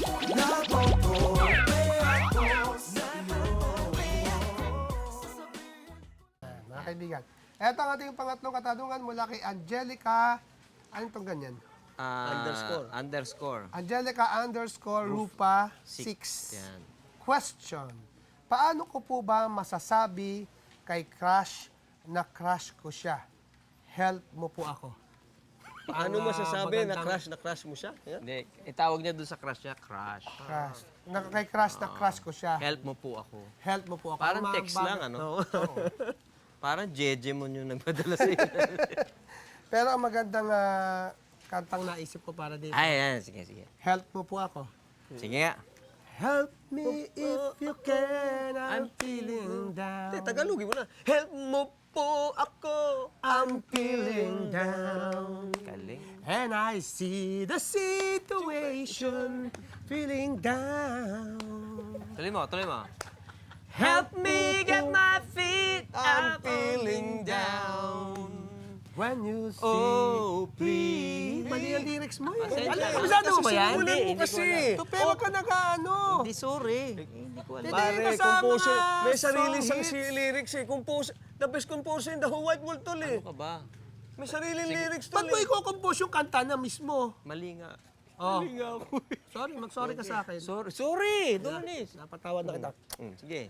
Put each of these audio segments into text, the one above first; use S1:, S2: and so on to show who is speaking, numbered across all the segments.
S1: Mga kaibigan. Ito ang ating pangatlong katanungan mula kay Angelica. Anong itong ganyan?
S2: Underscore.
S1: Angelica underscore Rupa 6.
S2: Yan.
S1: Question. Paano ko po ba masasabi kay crush na crush ko siya? Help mo po ako.
S3: Paano masasabi na crush mo siya? Yeah?
S2: Hindi, itawag niya doon sa crush niya, crush.
S1: Crush. Kay crush na crush ko siya.
S2: Help mo po ako.
S1: Help mo po ako.
S2: Parang
S1: Ang mga
S2: text
S1: bagay-
S2: lang, ano?
S1: Oo.
S2: Parang Jeje mo yung nagpadala sa iyo.
S1: Pero ang magandang kantang naisip ko para dito.
S2: Ay, yan. Sige, sige.
S1: Help mo po ako.
S2: Sige nga.
S1: Help me if you can, I'm feeling down.
S3: Tagalogin mo na. Help mo po ako.
S1: I'm feeling down.
S2: Galing.
S1: And I see the situation, feeling down.
S2: Tuloy mo, tuloy mo. Help me get my feet
S3: I'm feeling down.
S1: When you see,
S2: Oh, please.
S1: mali ang lyrics mo eh.
S2: Pasensya na.
S1: Kabisado mo ba yan?
S3: Simulan mo
S2: Hindi ko
S3: kasi.
S1: Tupe, wag ka nag-ano.
S2: Hindi, sorry. Hindi ko alam.
S1: Hindi,
S3: Pare,
S1: kasama
S3: composer.
S1: nga,
S3: May sarili
S1: song
S3: siyang
S1: hits.
S3: lyrics eh. Composer. The best composer in the whole wide world tol eh.
S2: Ano ka ba?
S3: May sariling lyrics tol
S1: Ba't mo
S3: eh.
S1: i-compose yung kanta na mismo?
S2: Mali nga.
S1: Oh. Sorry, mag-sorry ka sa akin.
S2: Sorry, Donis.
S1: Napatawad na kita.
S2: Sige.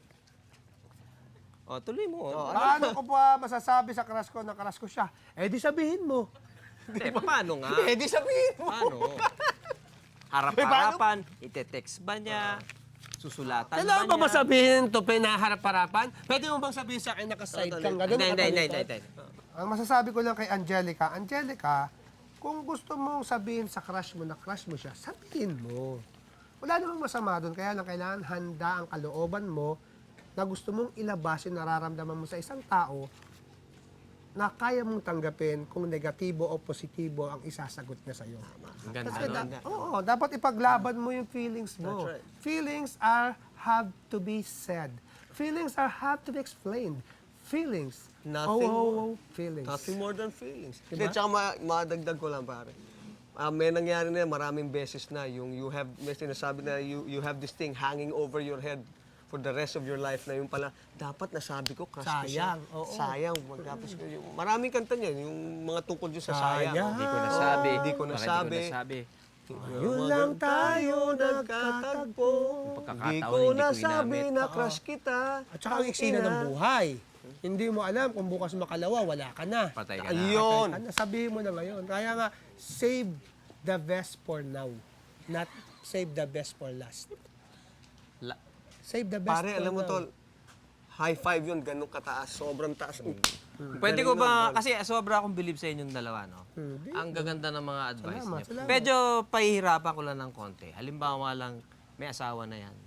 S2: O, tuloy mo.
S1: Paano ko pa masasabi sa crush ko na crush ko siya? Eh di sabihin mo.
S2: Hindi, paano nga?
S3: Eh di sabihin mo.
S2: Paano? Harap-harapan, ite-text ba niya? Susulatan
S1: Kailangan
S2: ba
S1: ba
S2: niya?
S1: masabihin to pinaharap-harapan? Pwede mo bang sabihin sa akin nakaside kang gano'n?
S2: Hindi.
S1: Ang masasabi ko lang kay Angelica, Angelica, kung gusto mong sabihin sa crush mo na crush mo siya, sabihin mo. Wala namang masama doon, kaya lang kailangan handa ang kalooban mo na gusto mong ilabas yung nararamdaman mo sa isang tao na kaya mong tanggapin kung negatibo o positibo ang isasagot niya sa'yo.
S2: Ang ganda
S1: Kasi
S2: nun.
S1: oo, dapat ipaglaban mo yung feelings mo.
S3: That's right.
S1: Feelings have to be said. Feelings have to be explained. Feelings.
S3: Nothing
S1: feelings.
S3: Nothing more than feelings.
S1: Diba?
S3: Hindi, tsaka madagdag ko lang pare. May nangyari na maraming beses na yung may sinasabi na you have this thing hanging over your head for the rest of your life na yung pala, dapat nasabi ko, crush ko siya.
S1: Sayang, oo.
S3: Sayang. Magkapos ko yung, maraming kanta niya, yung mga tungkol dyan sa sayang.
S1: Sayang.
S2: Hindi ko nasabi.
S3: Hindi ko
S2: Bakit
S3: nasabi.
S2: Hindi ko nasabi.
S1: Yun lang tayo nagkatagpo.
S2: Pagkakataon,
S3: Hindi ko
S2: hindi ko
S3: nasabi
S2: ginamit.
S3: na crush kita.
S1: At saka ang eksena ng buhay. Hindi mo alam kung bukas makalawa, wala ka na.
S2: Patay ka na.
S3: Ayun.
S1: Sabihin mo na ngayon. Kaya nga, save the best for now. Not save the best for last. Save the best
S3: Pare,
S1: for
S3: alam mo
S1: now.
S3: tol, high five yun, ganun kataas, sobrang taas.
S2: Pwede ko ba, kasi sobra akong believe sa inyong dalawa, no? Ang gaganda ng mga advice
S1: Salamat,
S2: niyo.
S1: salamat.
S2: Medyo pahihirapan ko lang ng konti. Halimbawa lang, may asawa na yan.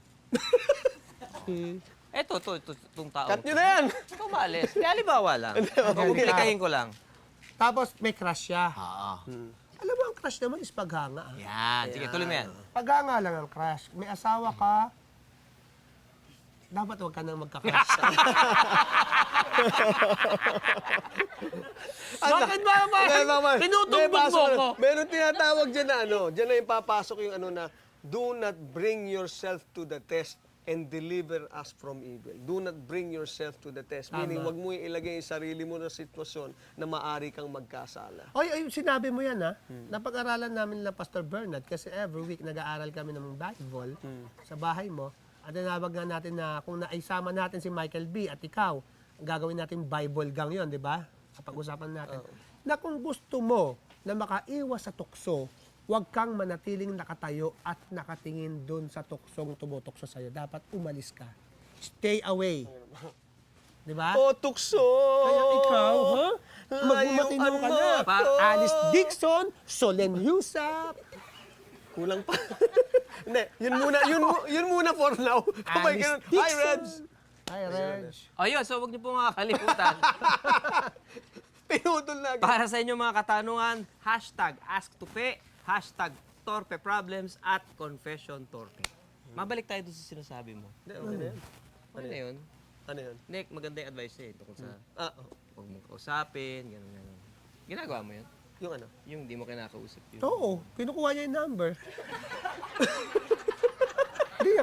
S2: Eto, itong tao.
S3: Cut nyo na yan!
S2: Kumalis. Di, halimbawa lang. Komplikahin ko lang.
S1: Tapos may crush siya.
S2: Oo.
S1: Alam mo, ang crush naman is paghanga.
S2: Yan. Sige, tuloy mo yan.
S1: Paghanga lang ang crush. May asawa ka, dapat huwag ka nang magka-crush. Bakit ba? Tinutumbog mo ko.
S3: Meron tinatawag dyan na dyan na yung papasok yung na, do not bring yourself to the test and deliver us from evil. Do not bring yourself to the test. Meaning, wag mo ilagay yung sarili mo na sitwasyon na maari kang magkasala.
S1: Oy, sinabi mo yan ha. Napag-aralan namin nila Pastor Bernard kasi every week nag-aaral kami ng Bible sa bahay mo. At tinawag nga natin na kung naisama natin si Michael B. at ikaw, gagawin natin Bible gang yon, di ba? Kapag-usapan natin. Na kung gusto mo na makaiwas sa tukso, huwag kang manatiling nakatayo at nakatingin dun sa tuksong tumutokso sa'yo. Dapat umalis ka. Stay away. Di ba?
S3: O, tukso!
S1: Kaya ikaw, ha? Magbumatino ka na. Alice Dixon, Solen Husa,
S3: Kulang pa. Hindi, yun muna for now. Kapag
S1: Alice
S3: ganun, hi,
S1: Dixon.
S3: Reds!
S1: Hi, Reg.
S2: Ayun, so huwag niyo po makakalimutan.
S3: Pinutol na agad.
S2: Para sa inyo mga katanungan, #AskTupe, #TorpeProblems at ConfessionTorpe. Mabalik tayo doon sa sinasabi mo.
S3: Hindi, okay na yan.
S2: Ano na yun?
S3: Ano yun?
S2: Nick, maganda yung advice niya tungkol sa huwag mong kausapin, gano'n. Ginagawa mo yun?
S3: Yung ano?
S2: Yung di mo kinakausap yun.
S1: Oo, kinukuha niya yung number.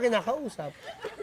S1: kinakausap.